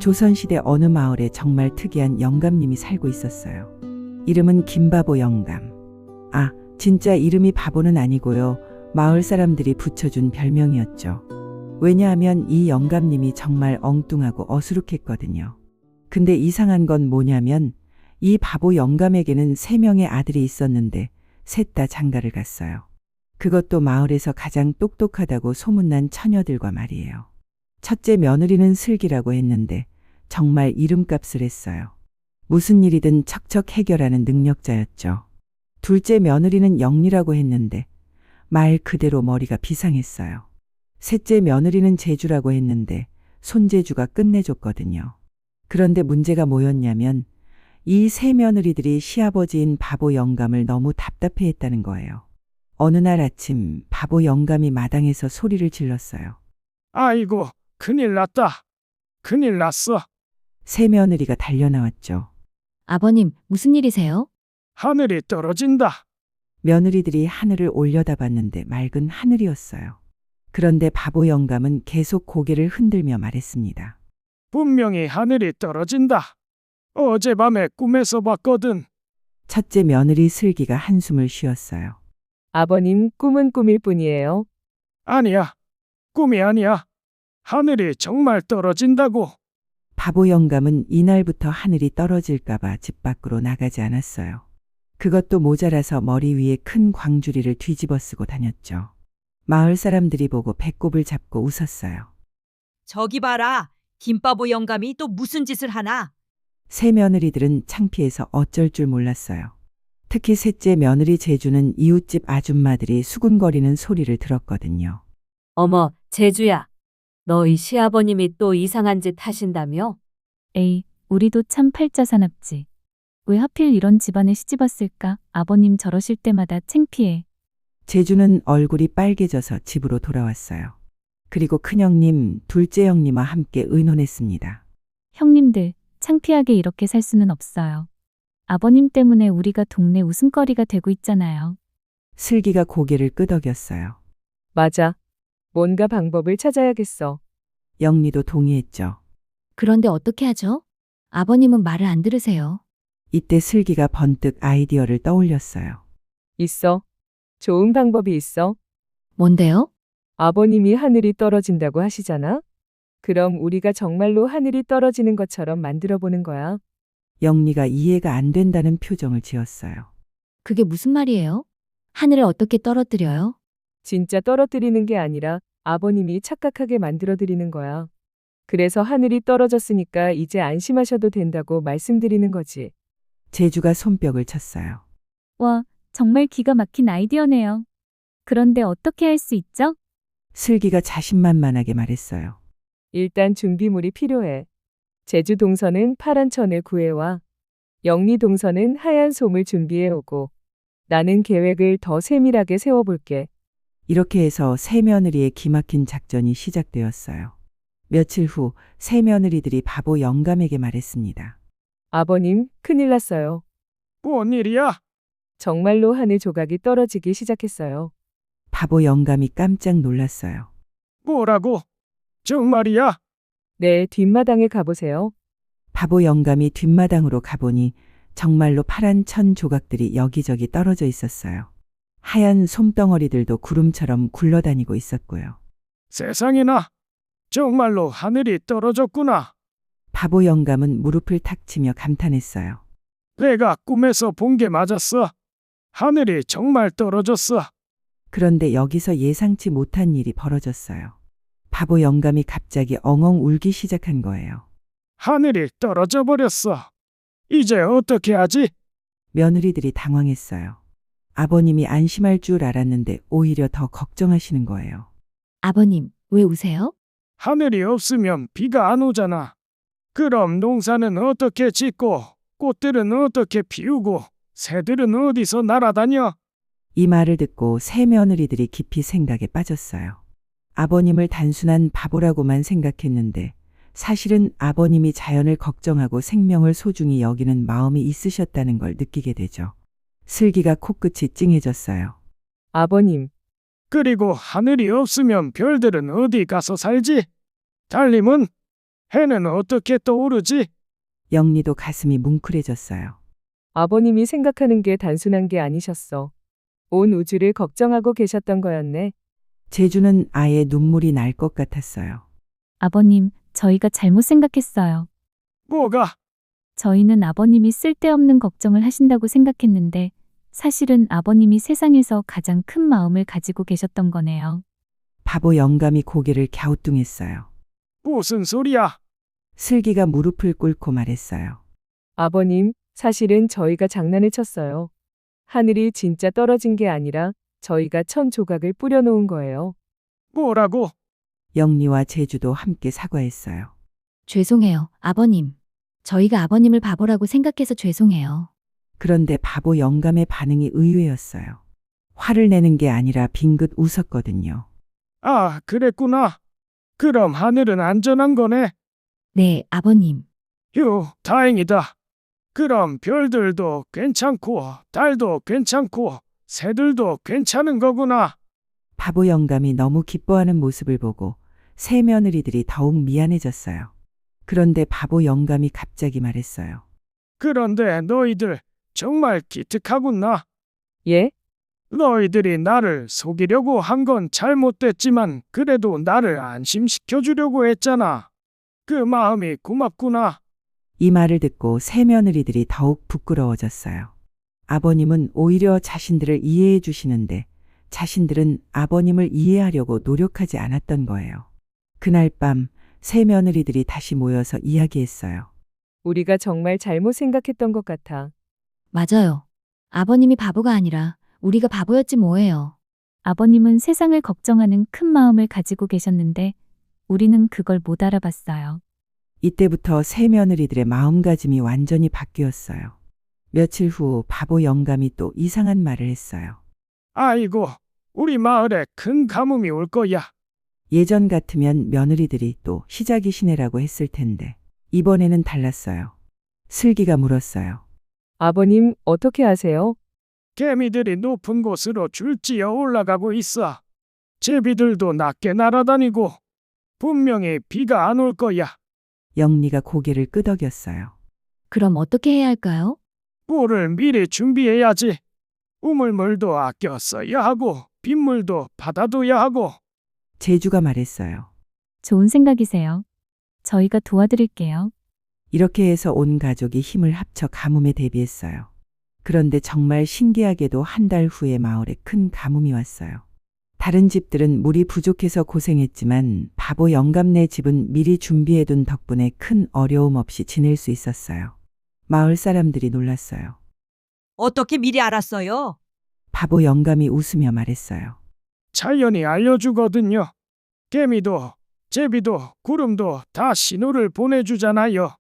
조선시대 어느 마을에 정말 특이한 영감님이 살고 있었어요. 이름은 김바보 영감. 아, 진짜 이름이 바보는 아니고요. 마을 사람들이 붙여준 별명이었죠. 왜냐하면 이 영감님이 정말 엉뚱하고 어수룩했거든요. 근데 이상한 건 뭐냐면 이 바보 영감에게는 3명의 아들이 있었는데 셋 다 장가를 갔어요. 그것도 마을에서 가장 똑똑하다고 소문난 처녀들과 말이에요. 첫째 며느리는 슬기라고 했는데 정말 이름값을 했어요. 무슨 일이든 척척 해결하는 능력자였죠. 둘째 며느리는 영리라고 했는데 말 그대로 머리가 비상했어요. 셋째 며느리는 재주라고 했는데 손재주가 끝내줬거든요. 그런데 문제가 뭐였냐면 이 세 며느리들이 시아버지인 바보 영감을 너무 답답해했다는 거예요. 어느 날 아침 바보 영감이 마당에서 소리를 질렀어요. 아이고, 큰일 났다. 큰일 났어. 세 며느리가 달려나왔죠. 아버님, 무슨 일이세요? 하늘이 떨어진다. 며느리들이 하늘을 올려다봤는데 맑은 하늘이었어요. 그런데 바보 영감은 계속 고개를 흔들며 말했습니다. 분명히 하늘이 떨어진다. 어젯밤에 꿈에서 봤거든. 첫째 며느리 슬기가 한숨을 쉬었어요. 아버님, 꿈은 꿈일 뿐이에요. 아니야. 꿈이 아니야. 하늘이 정말 떨어진다고. 바보 영감은 이날부터 하늘이 떨어질까봐 집 밖으로 나가지 않았어요. 그것도 모자라서 머리 위에 큰 광주리를 뒤집어 쓰고 다녔죠. 마을 사람들이 보고 배꼽을 잡고 웃었어요. 저기 봐라. 김바보 영감이 또 무슨 짓을 하나? 세 며느리들은 창피해서 어쩔 줄 몰랐어요. 특히 셋째 며느리 재주는 이웃집 아줌마들이 수군거리는 소리를 들었거든요. 어머, 재주야. 너희 시아버님이 또 이상한 짓 하신다며? 에이, 우리도 참 팔자사납지. 왜 하필 이런 집안에 시집왔을까? 아버님 저러실 때마다 창피해. 재주는 얼굴이 빨개져서 집으로 돌아왔어요. 그리고 큰형님, 둘째 형님과 함께 의논했습니다. 형님들, 창피하게 이렇게 살 수는 없어요. 아버님 때문에 우리가 동네 웃음거리가 되고 있잖아요. 슬기가 고개를 끄덕였어요. 맞아. 뭔가 방법을 찾아야겠어. 영리도 동의했죠. 그런데 어떻게 하죠? 아버님은 말을 안 들으세요. 이때 슬기가 번뜩 아이디어를 떠올렸어요. 있어. 좋은 방법이 있어. 뭔데요? 아버님이 하늘이 떨어진다고 하시잖아? 그럼 우리가 정말로 하늘이 떨어지는 것처럼 만들어 보는 거야. 영리가 이해가 안 된다는 표정을 지었어요. 그게 무슨 말이에요? 하늘을 어떻게 떨어뜨려요? 진짜 떨어뜨리는 게 아니라 아버님이 착각하게 만들어 드리는 거야. 그래서 하늘이 떨어졌으니까 이제 안심하셔도 된다고 말씀드리는 거지. 재주가 손뼉을 쳤어요. 와, 정말 기가 막힌 아이디어네요. 그런데 어떻게 할 수 있죠? 슬기가 자신만만하게 말했어요. 일단 준비물이 필요해. 제주 동서는 파란 천을 구해와. 영리 동서는 하얀 솜을 준비해 오고. 나는 계획을 더 세밀하게 세워볼게. 이렇게 해서 세 며느리의 기막힌 작전이 시작되었어요. 며칠 후 세 며느리들이 바보 영감에게 말했습니다. 아버님, 큰일 났어요. 뭔 일이야? 정말로 하늘 조각이 떨어지기 시작했어요. 바보 영감이 깜짝 놀랐어요. 뭐라고? 정말이야? 네, 뒷마당에 가보세요. 바보 영감이 뒷마당으로 가보니 정말로 파란 천 조각들이 여기저기 떨어져 있었어요. 하얀 솜덩어리들도 구름처럼 굴러다니고 있었고요. 세상에나. 정말로 하늘이 떨어졌구나. 바보 영감은 무릎을 탁 치며 감탄했어요. 내가 꿈에서 본 게 맞았어. 하늘이 정말 떨어졌어. 그런데 여기서 예상치 못한 일이 벌어졌어요. 바보 영감이 갑자기 엉엉 울기 시작한 거예요. 하늘이 떨어져 버렸어. 이제 어떻게 하지? 며느리들이 당황했어요. 아버님이 안심할 줄 알았는데 오히려 더 걱정하시는 거예요. 아버님, 왜 우세요? 하늘이 없으면 비가 안 오잖아. 그럼 농사는 어떻게 짓고 꽃들은 어떻게 피우고 새들은 어디서 날아다녀? 이 말을 듣고 세 며느리들이 깊이 생각에 빠졌어요. 아버님을 단순한 바보라고만 생각했는데 사실은 아버님이 자연을 걱정하고 생명을 소중히 여기는 마음이 있으셨다는 걸 느끼게 되죠. 슬기가 코끝이 찡해졌어요. 아버님, 그리고 하늘이 없으면 별들은 어디 가서 살지? 달님은? 해는 어떻게 떠오르지? 영리도 가슴이 뭉클해졌어요. 아버님이 생각하는 게 단순한 게 아니셨어. 온 우주를 걱정하고 계셨던 거였네. 제주는 아예 눈물이 날 것 같았어요. 아버님, 저희가 잘못 생각했어요. 뭐가? 저희는 아버님이 쓸데없는 걱정을 하신다고 생각했는데 사실은 아버님이 세상에서 가장 큰 마음을 가지고 계셨던 거네요. 바보 영감이 고개를 갸우뚱했어요. 무슨 소리야? 슬기가 무릎을 꿇고 말했어요. 아버님, 사실은 저희가 장난을 쳤어요. 하늘이 진짜 떨어진 게 아니라 저희가 천 조각을 뿌려놓은 거예요. 뭐라고? 영리와 제주도 함께 사과했어요. 죄송해요, 아버님. 저희가 아버님을 바보라고 생각해서 죄송해요. 그런데 바보 영감의 반응이 의외였어요. 화를 내는 게 아니라 빙긋 웃었거든요. 아, 그랬구나. 그럼 하늘은 안전한 거네. 네, 아버님. 휴, 다행이다. 그럼 별들도 괜찮고, 달도 괜찮고, 새들도 괜찮은 거구나. 바보 영감이 너무 기뻐하는 모습을 보고 새 며느리들이 더욱 미안해졌어요. 그런데 바보 영감이 갑자기 말했어요. 그런데 너희들 정말 기특하구나. 예? 너희들이 나를 속이려고 한 건 잘못됐지만 그래도 나를 안심시켜 주려고 했잖아. 그 마음이 고맙구나. 이 말을 듣고 새 며느리들이 더욱 부끄러워졌어요. 아버님은 오히려 자신들을 이해해 주시는데 자신들은 아버님을 이해하려고 노력하지 않았던 거예요. 그날 밤 새 며느리들이 다시 모여서 이야기했어요. 우리가 정말 잘못 생각했던 것 같아. 맞아요. 아버님이 바보가 아니라 우리가 바보였지 뭐예요. 아버님은 세상을 걱정하는 큰 마음을 가지고 계셨는데 우리는 그걸 못 알아봤어요. 이때부터 새 며느리들의 마음가짐이 완전히 바뀌었어요. 며칠 후 바보 영감이 또 이상한 말을 했어요. 아이고, 우리 마을에 큰 가뭄이 올 거야. 예전 같으면 며느리들이 또 시작이시네라고 했을 텐데 이번에는 달랐어요. 슬기가 물었어요. 아버님, 어떻게 아세요? 개미들이 높은 곳으로 줄지어 올라가고 있어. 제비들도 낮게 날아다니고 분명히 비가 안 올 거야. 영리가 고개를 끄덕였어요. 그럼 어떻게 해야 할까요? 물을 미리 준비해야지. 우물물도 아껴 써야 하고 빗물도 받아둬야 하고. 제주가 말했어요. 좋은 생각이세요. 저희가 도와드릴게요. 이렇게 해서 온 가족이 힘을 합쳐 가뭄에 대비했어요. 그런데 정말 신기하게도 한 달 후에 마을에 큰 가뭄이 왔어요. 다른 집들은 물이 부족해서 고생했지만 바보 영감네 집은 미리 준비해둔 덕분에 큰 어려움 없이 지낼 수 있었어요. 마을 사람들이 놀랐어요. 어떻게 미리 알았어요? 바보 영감이 웃으며 말했어요. 자연이 알려주거든요. 개미도 제비도 구름도 다 신호를 보내주잖아요.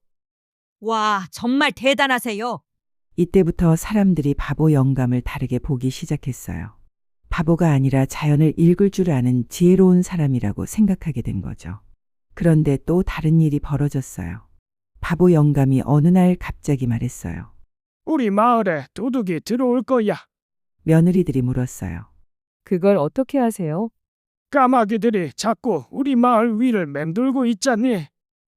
와, 정말 대단하세요. 이때부터 사람들이 바보 영감을 다르게 보기 시작했어요. 바보가 아니라 자연을 읽을 줄 아는 지혜로운 사람이라고 생각하게 된 거죠. 그런데 또 다른 일이 벌어졌어요. 바보 영감이 어느 날 갑자기 말했어요. 우리 마을에 도둑이 들어올 거야. 며느리들이 물었어요. 그걸 어떻게 하세요? 까마귀들이 자꾸 우리 마을 위를 맴돌고 있잖니.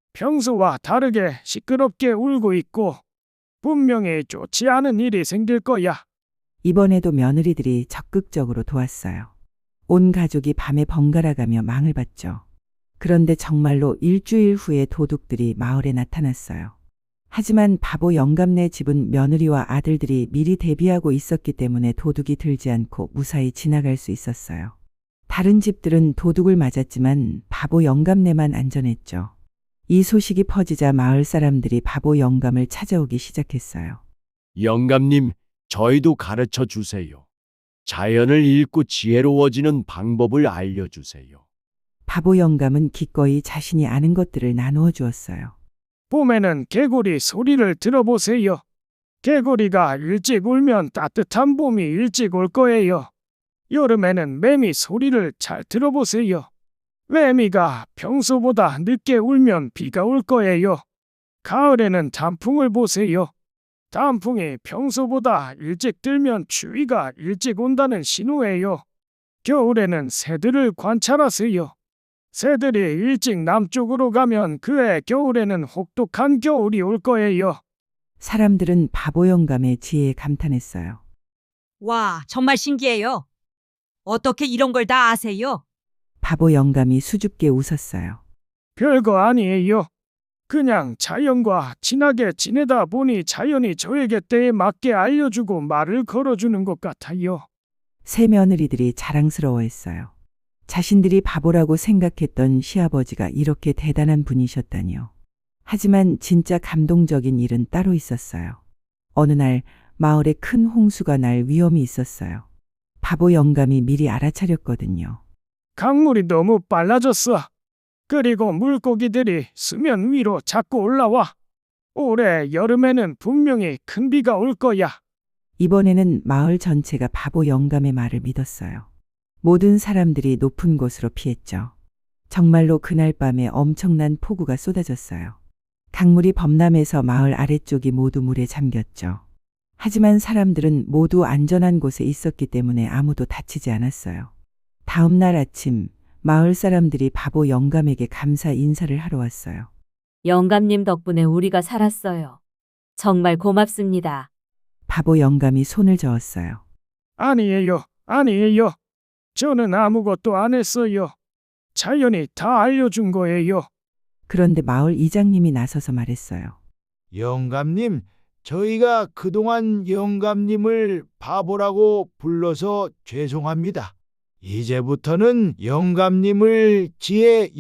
평소와 다르게 시끄럽게 울고 있고 분명히 좋지 않은 일이 생길 거야. 이번에도 며느리들이 적극적으로 도왔어요. 온 가족이 밤에 번갈아가며 망을 봤죠. 그런데 정말로 일주일 후에 도둑들이 마을에 나타났어요. 하지만 바보 영감네 집은 며느리와 아들들이 미리 대비하고 있었기 때문에 도둑이 들지 않고 무사히 지나갈 수 있었어요. 다른 집들은 도둑을 맞았지만 바보 영감네만 안전했죠. 이 소식이 퍼지자 마을 사람들이 바보 영감을 찾아오기 시작했어요. 영감님, 저희도 가르쳐 주세요. 자연을 읽고 지혜로워지는 방법을 알려주세요. 바보 영감은 기꺼이 자신이 아는 것들을 나누어 주었어요. 봄에는 개구리 소리를 들어보세요. 개구리가 일찍 울면 따뜻한 봄이 일찍 올 거예요. 여름에는 매미 소리를 잘 들어보세요. 매미가 평소보다 늦게 울면 비가 올 거예요. 가을에는 단풍을 보세요. 단풍이 평소보다 일찍 들면 추위가 일찍 온다는 신호예요. 겨울에는 새들을 관찰하세요. 새들이 일찍 남쪽으로 가면 그해 겨울에는 혹독한 겨울이 올 거예요. 사람들은 바보 영감의 지혜에 감탄했어요. 와, 정말 신기해요. 어떻게 이런 걸 다 아세요? 바보 영감이 수줍게 웃었어요. 별거 아니에요. 그냥 자연과 친하게 지내다 보니 자연이 저에게 때에 맞게 알려주고 말을 걸어주는 것 같아요. 새 며느리들이 자랑스러워했어요. 자신들이 바보라고 생각했던 시아버지가 이렇게 대단한 분이셨다니요. 하지만 진짜 감동적인 일은 따로 있었어요. 어느 날 마을에 큰 홍수가 날 위험이 있었어요. 바보 영감이 미리 알아차렸거든요. 강물이 너무 빨라졌어. 그리고 물고기들이 수면 위로 자꾸 올라와. 올해 여름에는 분명히 큰 비가 올 거야. 이번에는 마을 전체가 바보 영감의 말을 믿었어요. 모든 사람들이 높은 곳으로 피했죠. 정말로 그날 밤에 엄청난 폭우가 쏟아졌어요. 강물이 범람해서 마을 아래쪽이 모두 물에 잠겼죠. 하지만 사람들은 모두 안전한 곳에 있었기 때문에 아무도 다치지 않았어요. 다음 날 아침 마을 사람들이 바보 영감에게 감사 인사를 하러 왔어요. 영감님 덕분에 우리가 살았어요. 정말 고맙습니다. 바보 영감이 손을 저었어요. 아니에요. 아니에요. 저는 아무것도 안 했어요. 자연이 다 알려준 거예요. 그런데 마을 이장님이 나서서 말했어요. 영감님, 저희가 그동안 영감님을 바보라고 불러서 죄송합니다. 이제부터는 영감님을 지혜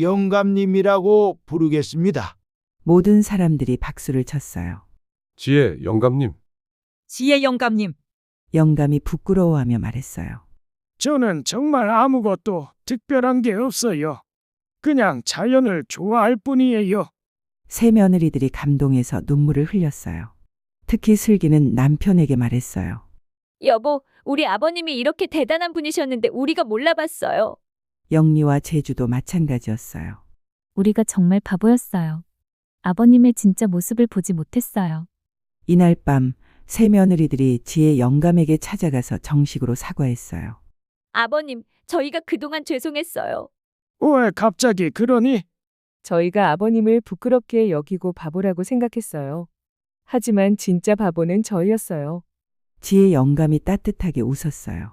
영감님이라고 부르겠습니다. 모든 사람들이 박수를 쳤어요. 지혜 영감님, 지혜 영감님, 영감이 부끄러워하며 말했어요. 저는 정말 아무것도 특별한 게 없어요. 그냥 자연을 좋아할 뿐이에요. 새 며느리들이 감동해서 눈물을 흘렸어요. 특히 슬기는 남편에게 말했어요. 여보, 우리 아버님이 이렇게 대단한 분이셨는데 우리가 몰라봤어요. 영리와 제주도 마찬가지였어요. 우리가 정말 바보였어요. 아버님의 진짜 모습을 보지 못했어요. 이날 밤 새 며느리들이 지혜 영감에게 찾아가서 정식으로 사과했어요. 아버님, 저희가 그동안 죄송했어요. 왜 갑자기 그러니? 저희가 아버님을 부끄럽게 여기고 바보라고 생각했어요. 하지만 진짜 바보는 저희였어요. 지혜 영감이 따뜻하게 웃었어요.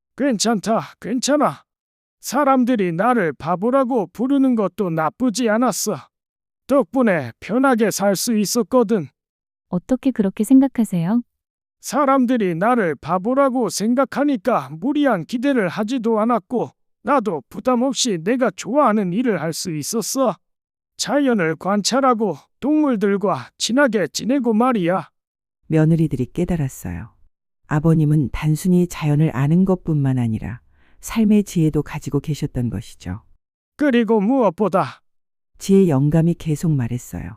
괜찮다, 괜찮아. 사람들이 나를 바보라고 부르는 것도 나쁘지 않았어. 덕분에 편하게 살 수 있었거든. 어떻게 그렇게 생각하세요? 사람들이 나를 바보라고 생각하니까 무리한 기대를 하지도 않았고, 나도 부담 없이 내가 좋아하는 일을 할 수 있었어. 자연을 관찰하고 동물들과 친하게 지내고 말이야. 며느리들이 깨달았어요. 아버님은 단순히 자연을 아는 것뿐만 아니라 삶의 지혜도 가지고 계셨던 것이죠. 그리고 무엇보다 지혜 영감이 계속 말했어요.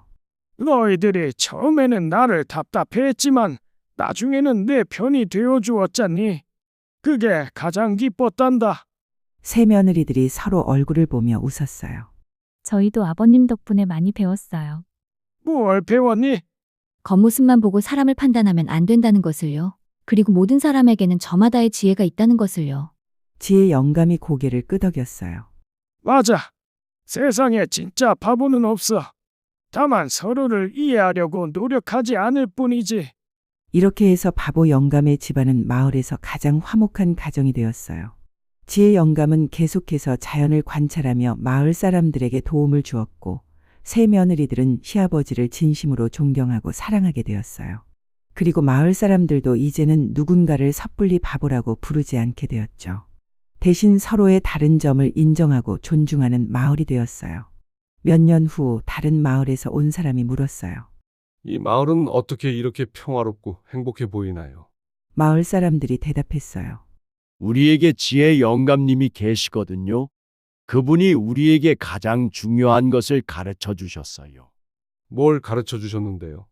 너희들이 처음에는 나를 답답해했지만 나중에는 내 편이 되어주었잖니. 그게 가장 기뻤단다. 새 며느리들이 서로 얼굴을 보며 웃었어요. 저희도 아버님 덕분에 많이 배웠어요. 뭘 배웠니? 겉모습만 보고 사람을 판단하면 안 된다는 것을요. 그리고 모든 사람에게는 저마다의 지혜가 있다는 것을요. 지혜 영감이 고개를 끄덕였어요. 맞아. 세상에 진짜 바보는 없어. 다만 서로를 이해하려고 노력하지 않을 뿐이지. 이렇게 해서 바보 영감의 집안은 마을에서 가장 화목한 가정이 되었어요. 지혜 영감은 계속해서 자연을 관찰하며 마을 사람들에게 도움을 주었고, 새 며느리들은 시아버지를 진심으로 존경하고 사랑하게 되었어요. 그리고 마을 사람들도 이제는 누군가를 섣불리 바보라고 부르지 않게 되었죠. 대신 서로의 다른 점을 인정하고 존중하는 마을이 되었어요. 몇 년 후 다른 마을에서 온 사람이 물었어요. 이 마을은 어떻게 이렇게 평화롭고 행복해 보이나요? 마을 사람들이 대답했어요. 우리에게 지혜 영감님이 계시거든요. 그분이 우리에게 가장 중요한 것을 가르쳐 주셨어요. 뭘 가르쳐 주셨는데요?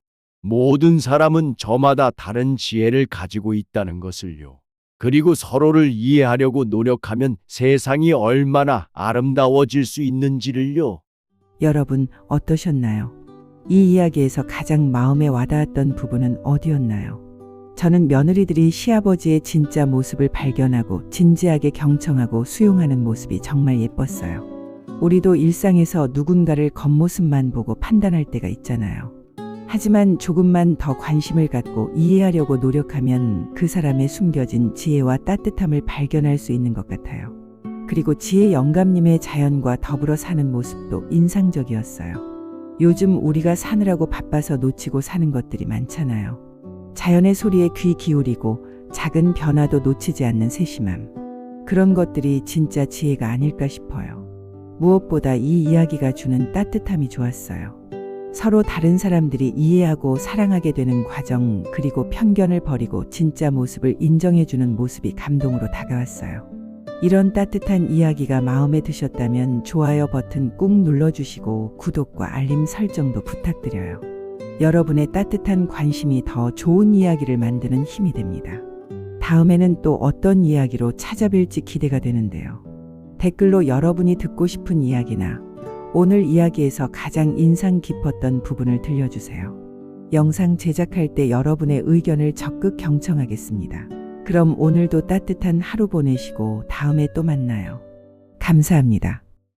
모든 사람은 저마다 다른 지혜를 가지고 있다는 것을요. 그리고 서로를 이해하려고 노력하면 세상이 얼마나 아름다워질 수 있는지를요. 여러분 어떠셨나요? 이 이야기에서 가장 마음에 와닿았던 부분은 어디였나요? 저는 며느리들이 시아버지의 진짜 모습을 발견하고 진지하게 경청하고 수용하는 모습이 정말 예뻤어요. 우리도 일상에서 누군가를 겉모습만 보고 판단할 때가 있잖아요. 하지만 조금만 더 관심을 갖고 이해하려고 노력하면 그 사람의 숨겨진 지혜와 따뜻함을 발견할 수 있는 것 같아요. 그리고 지혜 영감님의 자연과 더불어 사는 모습도 인상적이었어요. 요즘 우리가 사느라고 바빠서 놓치고 사는 것들이 많잖아요. 자연의 소리에 귀 기울이고 작은 변화도 놓치지 않는 세심함. 그런 것들이 진짜 지혜가 아닐까 싶어요. 무엇보다 이 이야기가 주는 따뜻함이 좋았어요. 서로 다른 사람들이 이해하고 사랑하게 되는 과정, 그리고 편견을 버리고 진짜 모습을 인정해주는 모습이 감동으로 다가왔어요. 이런 따뜻한 이야기가 마음에 드셨다면 좋아요 버튼 꾹 눌러주시고 구독과 알림 설정도 부탁드려요. 여러분의 따뜻한 관심이 더 좋은 이야기를 만드는 힘이 됩니다. 다음에는 또 어떤 이야기로 찾아뵐지 기대가 되는데요. 댓글로 여러분이 듣고 싶은 이야기나 오늘 이야기에서 가장 인상 깊었던 부분을 들려주세요. 영상 제작할 때 여러분의 의견을 적극 경청하겠습니다. 그럼 오늘도 따뜻한 하루 보내시고 다음에 또 만나요. 감사합니다.